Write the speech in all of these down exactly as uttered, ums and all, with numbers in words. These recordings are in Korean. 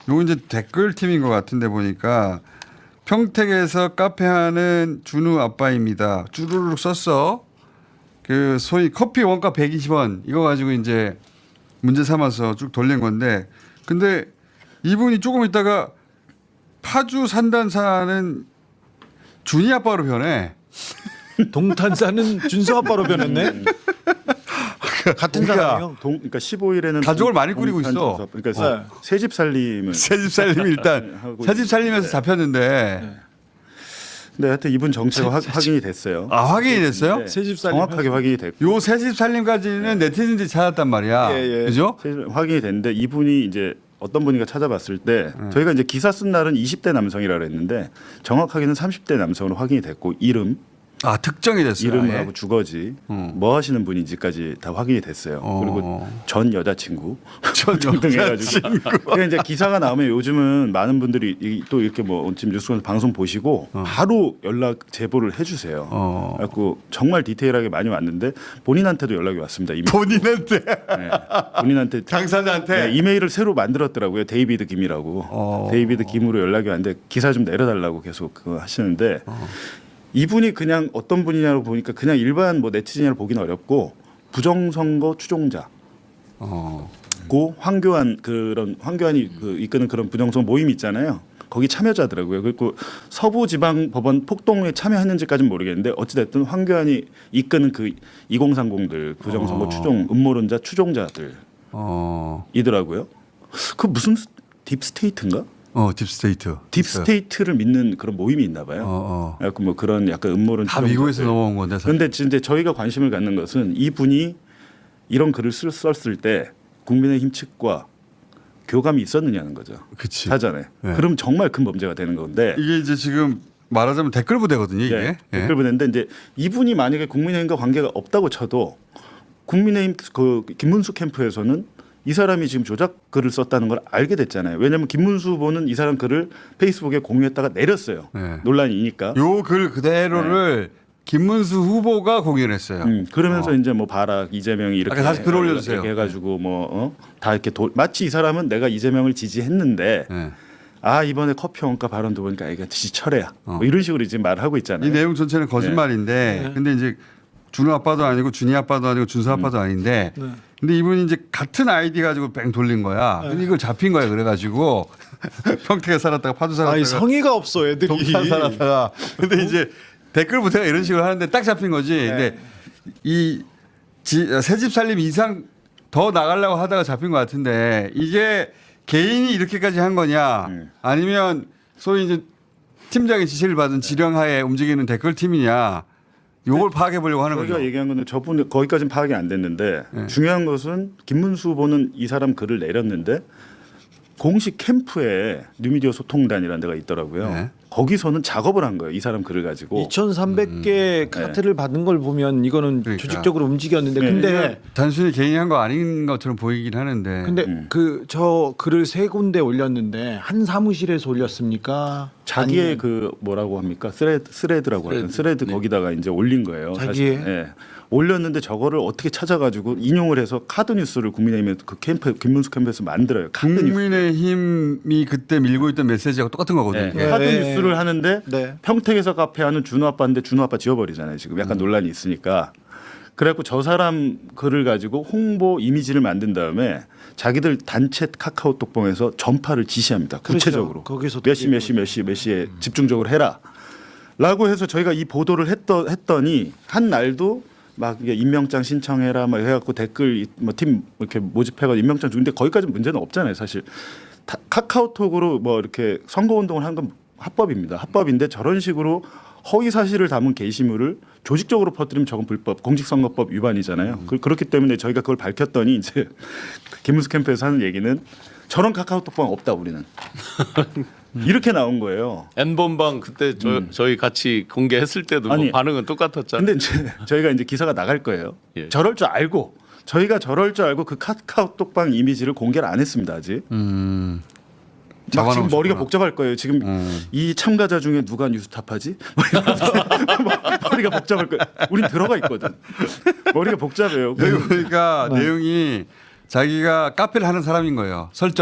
요거 이제 댓글 팀인 것 같은데 보니까 평택에서 카페 하는 준우 아빠입니다. 쭈루룩 썼어. 그 소위 커피 원가 백이십 원 이거 가지고 이제 문제 삼아서 쭉 돌린 건데 근데 이분이 조금 있다가 파주 산단사는 준이 아빠로 변해. 동탄사는 준서 아빠로 변했네. 같은 사람이요? 동, 그러니까 십오 일에는 가족을 많이 꾸리고 있어. 그러니까 네. 새 집 살림을 새집 살림이 일단 하고 새집 살림에서 있는데. 잡혔는데 네, 하여튼 이분 정체가 확- 확인이 됐어요. 아 확인이 됐어요? 네, 새집 살림 정확하게 확인이 됐고 요 새집 살림까지는 네티즌들이 찾았단 말이야. 예, 예. 그죠? 새- 확인이 됐는데 이분이 이제 어떤 분인가 찾아봤을 때 음. 저희가 이제 기사 쓴 날은 이십 대 남성이라고 했는데 정확하게는 삼십 대 남성으로 확인이 됐고 이름, 아 특정이 됐어요. 이름을 아예? 하고 주거지, 음. 뭐 하시는 분인지까지 다 확인이 됐어요. 어. 그리고 전 여자친구 전 등등 해가지고 여자친구. 그러니까 이제 기사가 나오면 요즘은 많은 분들이 이- 또 이렇게 뭐 지금 뉴스에서 방송 보시고 바로 연락 제보를 해주세요. 어. 그래갖고 정말 디테일하게 많이 왔는데 본인한테도 연락이 왔습니다. 이미. 본인한테 네. 본인한테 당사자한테 네, 이메일을 새로 만들었더라고요. 데이비드 김이라고. 어. 데이비드 김으로 연락이 왔는데 기사 좀 내려달라고 계속 그거 하시는데 어. 이분이 그냥 어떤 분이냐고 보니까 그냥 일반 뭐 네티즌이라고 보기는 어렵고 부정선거 추종자. 어. 고 황교안 그런 황교안이 그 이끄는 그런 부정선거 모임 있잖아요. 거기 참여자더라고요. 그리고 서부지방법원 폭동에 참여했는지까지는 모르겠는데 어찌됐든 황교안이 이끄는 그 이공삼공들 부정선거 어. 추종 음모론자 추종자들이더라고요. 어. 그 무슨 딥스테이트인가? 어 딥스테이트. 딥스테이트를 믿는 그런 모임이 있나 봐요. 어, 어. 그래서 뭐 그런 약간 음모론 다 미국에서 추종자들. 넘어온 건데. 사실. 그런데 진짜 저희가 관심을 갖는 것은 이분이 이런 글을 쓸- 썼을 때 국민의힘 측과 교감이 있었느냐는 거죠. 그치. 사전에. 네. 그럼 정말 큰 범죄가 되는 건데. 이게 이제 지금 말하자면 댓글 부대거든요. 이게. 네, 예. 댓글 보냈는데 이제 이분이 만약에 국민의힘과 관계가 없다고 쳐도 국민의힘 그 김문수 캠프에서는 이 사람이 지금 조작 글을 썼다는 걸 알게 됐잖아요. 왜냐하면 김문수 후보는 이 사람 글을 페이스북에 공유했다가 내렸어요. 네. 논란이니까. 요 글 그대로를 김문수 후보가 공유를 했어요. 음, 그러면서 어. 이제 뭐 봐라 이재명이 이렇게 아까 다시 글 올려주세요. 해가지고 뭐 어? 다 이렇게 도, 마치 이 사람은 내가 이재명을 지지했는데 예. 아 이번에 커피 원가 발언도 보니까 이거 지지철회야. 어. 뭐 이런 식으로 지금 말을 하고 이 있잖아요. 내용 전체는 거짓말인데 네. 근데 이제 준우 아빠도 아니고 준이 아빠도 아니고 준수 아빠도 아닌데 네. 근데 이분이 이제 같은 아이디 가지고 뺑 돌린 거야. 근데 이걸 잡힌 거야. 그래가지고 평택에 살았다가 파주 살았다가 아니 성의가 없어 애들이. 동탄 살았다가 근데 이제 댓글 부대가 이런 식으로 하는데 딱 잡힌 거지. 근데 이 새집 살림 이상 더 나가려고 하다가 잡힌 것 같은데 이게 개인이 이렇게까지 한 거냐 음. 아니면 소위 이제 팀장의 지시를 받은 지령하에 움직이는 댓글 팀이냐 요걸 파악해 보려고 하는 저희가 거죠. 얘기한 거는 저분 거기까지는 파악이 안 됐는데 네. 중요한 것은 김문수 후보는 이 사람 글을 내렸는데 공식 캠프에 뉴미디어 소통단이라는 데가 있더라고요. 네. 거기서는 작업을 한 거예요. 이 사람 글을 가지고. 이천삼백 개 카트를 받은 걸 보면 이거는 그러니까. 조직적으로 움직였는데 네. 근데 단순히 개인이 한 거 아닌 것처럼 보이긴 하는데. 근데 음. 그 저 글을 세 군데 올렸는데 한 사무실에서 올렸습니까? 자기의 아니면 그 뭐라고 합니까 스레드 스레드라고 하는 스레드. 스레드 네. 거기다가 이제 올린 거예요. 자기의? 사실. 예. 올렸는데 저거를 어떻게 찾아가지고 인용을 해서 카드 뉴스를 국민의힘 그 캠프 김문수 캠프에서 만들어요. 카드 뉴스. 국민의힘이 그때 밀고 있던 메시지하고 똑같은 거거든요. 네. 네. 카드 네. 뉴스를 하는데 네. 평택에서 카페 하는 준호 아빠인데 준호 아빠 지워버리잖아요. 지금 약간 논란이 있으니까. 그래갖고 저 사람 글을 가지고 홍보 이미지를 만든 다음에 자기들 단체 카카오톡방에서 전파를 지시합니다. 구체적으로 그렇죠. 거기서 몇 시 몇 시 몇 시 몇 시에 집중적으로 해라. 라고 해서 저희가 이 보도를 했더, 했더니 한 날도 막 이게 임명장 신청해라 막 해갖고 댓글 뭐 팀 이렇게 모집해가지고 임명장 주는데 거기까지 문제는 없잖아요. 사실 다, 카카오톡으로 뭐 이렇게 선거 운동을 한 건 합법입니다. 합법인데 저런 식으로 허위 사실을 담은 게시물을 조직적으로 퍼뜨리면 저건 불법, 공직선거법 위반이잖아요. 그, 그렇기 때문에 저희가 그걸 밝혔더니 이제 김문수 캠프에서 하는 얘기는 저런 카카오톡방 없다 우리는 이렇게 나온 거예요. N번방 그때 저, 음. 저희 같이 공개했을 때도 뭐 아니, 반응은 똑같았잖아요. 근데 이제 저희가 이제 기사가 나갈 거예요. 예. 저럴 줄 알고 저희가 저럴 줄 알고 그 카카오톡방 이미지를 공개를 안 했습니다 아직. 음. 막 지금 잡아놓으셨구나. 머리가 복잡할 거예요. 지금 음. 이 참가자 중에 누가 뉴스탑하지? 뭐 이러면서 머리가 복잡할 거예요. 우린 들어가 있거든. 머리가 복잡해요. 여기 보니까 내용이 자기가 카페를 하는 사람인 거예요. 설정이.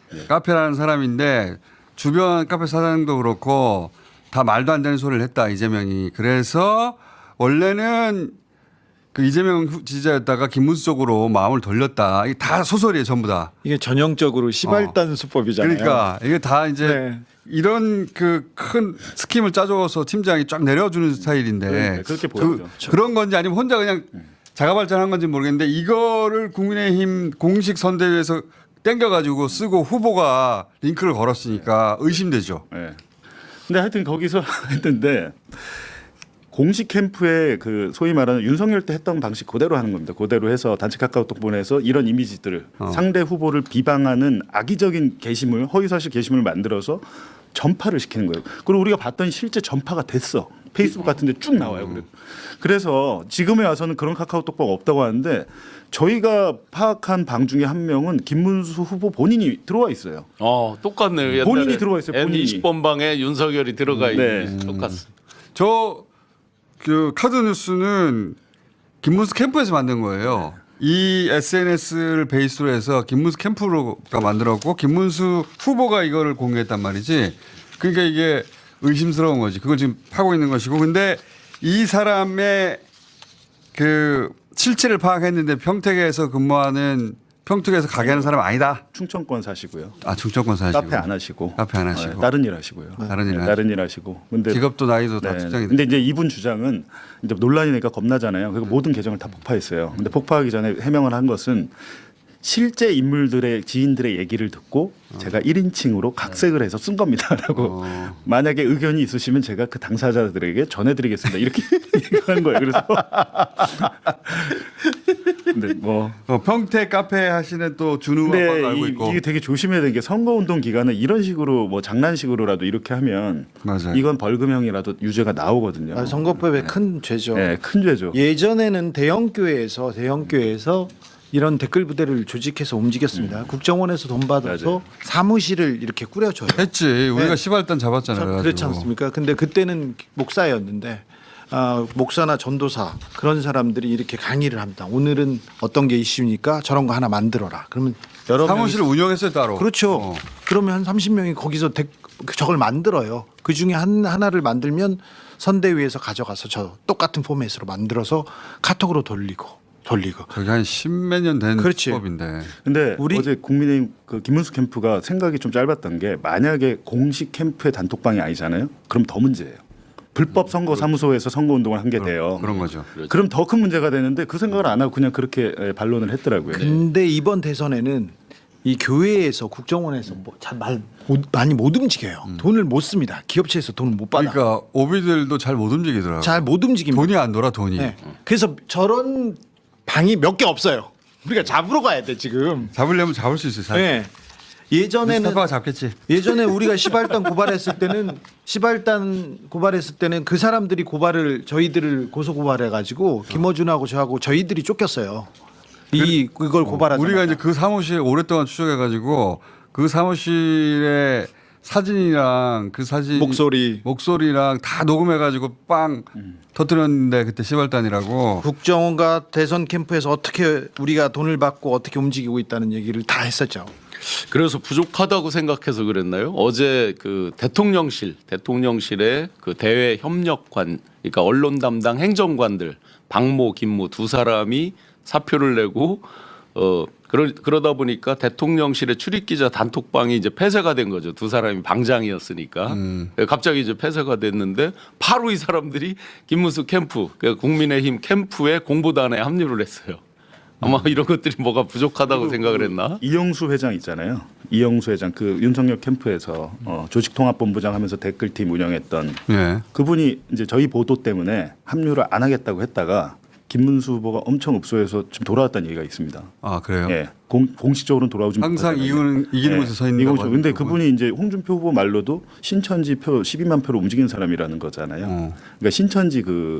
카페라는 사람인데 주변 카페 사장도 그렇고 다 말도 안 되는 소리를 했다 이재명이. 그래서 원래는 그 이재명 후- 지지자였다가 김문수 쪽으로 마음을 돌렸다. 이게 다 소설이에요 전부 다. 이게 전형적으로 시발단 수법이잖아요. 그러니까 이게 다 이제 네. 이런 그 큰 스킴을 짜줘서 팀장이 쫙 내려주는 스타일인데 네, 그렇게 보여요. 그, 그런 건지 아니면 혼자 그냥 자가발전한 건지 모르겠는데 이거를 국민의힘 공식 선대위에서 땡겨가지고 쓰고 후보가 링크를 걸었으니까 의심되죠. 예. 근데 하여튼 거기서 했는데 공식 캠프에 그 소위 말하는 윤석열 때 했던 방식 그대로 하는 겁니다. 그대로 해서 단체 카카오톡 보내서 이런 이미지들을 어. 상대 후보를 비방하는 악의적인 게시물, 허위사실 게시물을 만들어서 전파를 시키는 거예요. 그리고 우리가 봤더니 실제 전파가 됐어. 페이스북 같은 데 쭉 나와요. 그래서. 그래서 지금에 와서는 그런 카카오톡방 없다고 하는데 저희가 파악한 방 중에 한 명은 김문수 후보 본인이 들어와 있어요. 어 똑같네요. 옛날에 본인이 들어와 있어요, 본인이. 엔 이십 번 방에 윤석열이 들어가 네. 있는 똑같습니다. 저 그 카드 뉴스는 김문수 캠프에서 만든 거예요. 이 에스엔에스를 베이스로 해서 김문수 캠프가 만들었고 김문수 후보가 이거를 공개했단 말이지. 그러니까 이게 의심스러운 거지. 그걸 지금 파고 있는 것이고. 근데 이 사람의 그 실체를 파악했는데 평택에서 근무하는 평택에서 가게 하는 사람 아니다. 충청권 사시고요. 아 충청권 사시고. 카페 안 하시고. 카페 안 하시고. 네, 다른 일 하시고요. 다른 일 네, 다른 일 하시고. 근데 직업도 나이도 다 네. 특정이 근데 이제 이분 주장은 이제 논란이 니까 겁나잖아요. 그리고 모든 계정을 다 폭파했어요. 근데 폭파하기 전에 해명을 한 것은 실제 인물들의 지인들의 얘기를 듣고 제가 일 인칭으로 각색을 해서 쓴 겁니다라고. 어. 만약에 의견이 있으시면 제가 그 당사자들에게 전해드리겠습니다. 이렇게 얘기한 거예요. 그래서 근데 뭐 어, 평택 카페 하시는 또 준우 근데 아빠가 알고 이, 있고. 이게 되게 조심해야 되는 게 선거운동 기간에 이런 식으로 뭐 장난식으로라도 이렇게 하면 맞아요. 이건 벌금형이라도 유죄가 나오거든요. 아, 선거법의 큰 죄죠. 네, 큰 죄죠. 예전에는 대형 교회에서 대형 교회에서 이런 댓글 부대를 조직해서 움직였습니다. 국정원에서 돈 받아서 맞아요. 사무실을 이렇게 꾸려줘요. 했지. 우리가 네. 시발단 잡았잖아요. 참 그래가지고. 그렇지 않습니까? 근데 그때는 목사였는데 아, 목사나 전도사 그런 사람들이 이렇게 강의를 합니다. 오늘은 어떤 게 이슈니까 저런 거 하나 만들어라. 그러면 여러 사무실을 명이- 운영했어요 따로. 그렇죠. 어. 그러면 한 삼십 명이 거기서 데, 저걸 만들어요. 그 중에 한 하나를 만들면 선대위에서 가져가서 저 똑같은 포맷으로 만들어서 카톡으로 돌리고 돌리고. 저기 한 십몇 년 된 그렇지. 법인데. 근데 우리- 어제 국민의힘 그 김문수 캠프가 생각이 좀 짧았던 게 만약에 공식 캠프의 단톡방이 아니잖아요. 그럼 더 문제예요. 불법 선거 사무소에서 선거 운동을 한 게 돼요. 그런 거죠. 그럼 더 큰 문제가 되는데 그 생각을 안 하고 그냥 그렇게 예, 반론을 했더라고요. 근데 이번 대선에는 이 교회에서 국정원에서 뭐잘말 많이 못 움직여요. 돈을 못 씁니다. 기업체에서 돈을 못 받아. 그러니까 오비들도 잘 못 움직이더라고. 잘 못 움직입니다. 돈이 안 돌아 돈이. 네. 그래서 저런 방이 몇 개 없어요. 우리가 잡으러 가야 돼 지금. 잡으려면 잡을 수 있어요. 사실. 네. 예전에는 스타파가 잡겠지. 예전에 우리가 시발단 고발했을 때는 시발단 고발했을 때는 그 사람들이 고발을 저희들을 고소 고발해 가지고 김어준하고 저하고 저희들이 쫓겼어요. 이 그걸 고발하자. 우리가 이제 그 사무실 오랫동안 추적해가지고 그 사무실의 사진이랑 그 사진 목소리. 목소리랑 다 녹음해가지고 빵 터뜨렸는데 그때 시발단이라고. 국정원과 대선 캠프에서 어떻게 우리가 돈을 받고 어떻게 움직이고 있다는 얘기를 다 했었죠. 그래서 부족하다고 생각해서 그랬나요? 어제 그 대통령실 대통령실의 그 대외 협력관 그러니까 언론 담당 행정관들 박모 김모 두 사람이 사표를 내고 어 그러, 그러다 보니까 대통령실의 출입기자 단톡방이 이제 폐쇄가 된 거죠. 두 사람이 방장이었으니까 음. 갑자기 이제 폐쇄가 됐는데 바로 이 사람들이 김문수 캠프 그러니까 국민의힘 캠프에 공보단에 합류를 했어요. 아마 이런 것들이 뭐가 부족하다고 생각을 했나? 이영수 회장 있잖아요. 이영수 회장 그 윤석열 캠프에서 어, 조직통합본부장 하면서 댓글팀 운영했던 예. 그분이 이제 저희 보도 때문에 합류를 안 하겠다고 했다가 김문수 후보가 엄청 읍소해서 지금 돌아왔다는 얘기가 있습니다. 아 그래요. 예, 공, 공식적으로는 돌아오지 항상 못하잖아요. 이기는 이기는 곳에 서 있는. 이건 좀- 근데 그분이 이제 홍준표 후보 말로도 신천지 표 십이만 표로 움직이는 사람이라는 거잖아요. 어. 그러니까 신천지 그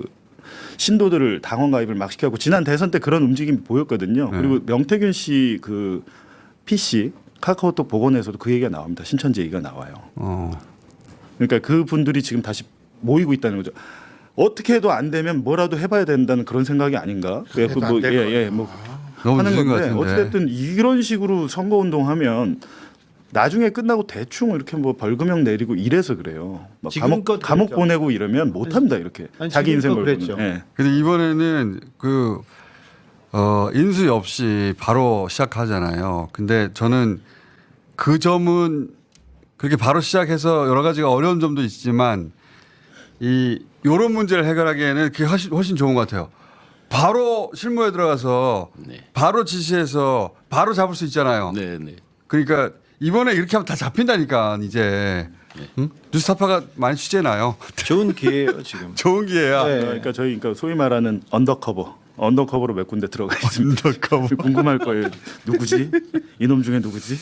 신도들을 당원 가입을 막 시켜갖고 지난 대선 때 그런 움직임이 보였거든요. 네. 그리고 명태균 씨 그 피씨 카카오톡 복원에서도 그 얘기가 나옵니다. 신천지 얘기가 나와요. 어. 그러니까 그 분들이 지금 다시 모이고 있다는 거죠. 어떻게 해도 안 되면 뭐라도 해봐야 된다는 그런 생각이 아닌가? 그래서 안 뭐, 될 예, 거예요. 예, 뭐 너무 하는 늦은 것 건데 같은데. 어쨌든 이런 식으로 선거 운동하면 나중에 끝나고 대충 이렇게 뭐 벌금형 내리고 이래서 그래요. 막 감옥 지금껏 감옥 그랬죠. 보내고 이러면 못 합니다 이렇게. 아니, 자기 인생 지금껏 걸고는. 그랬죠. 예. 근데 이번에는 그 어, 인수위 없이 바로 시작하잖아요. 근데 저는 그 점은 그렇게 바로 시작해서 여러 가지가 어려운 점도 있지만 이 요런 문제를 해결하기에는 그게 훨씬, 훨씬 좋은 것 같아요. 바로 실무에 들어가서 네. 바로 지시해서 바로 잡을 수 있잖아요. 네, 네. 그러니까 이번에 이렇게 하면 다 잡힌다니까 이제 응? 뉴스타파가 많이 취재나요. 좋은 기회예요 지금. 좋은 기회야. 네. 그러니까 저희 그러니까 소위 말하는 언더커버. 언더커버로 몇 군데 들어가 있습니다. 언더커버. 궁금할 거예요. 누구지? 이놈 중에 누구지?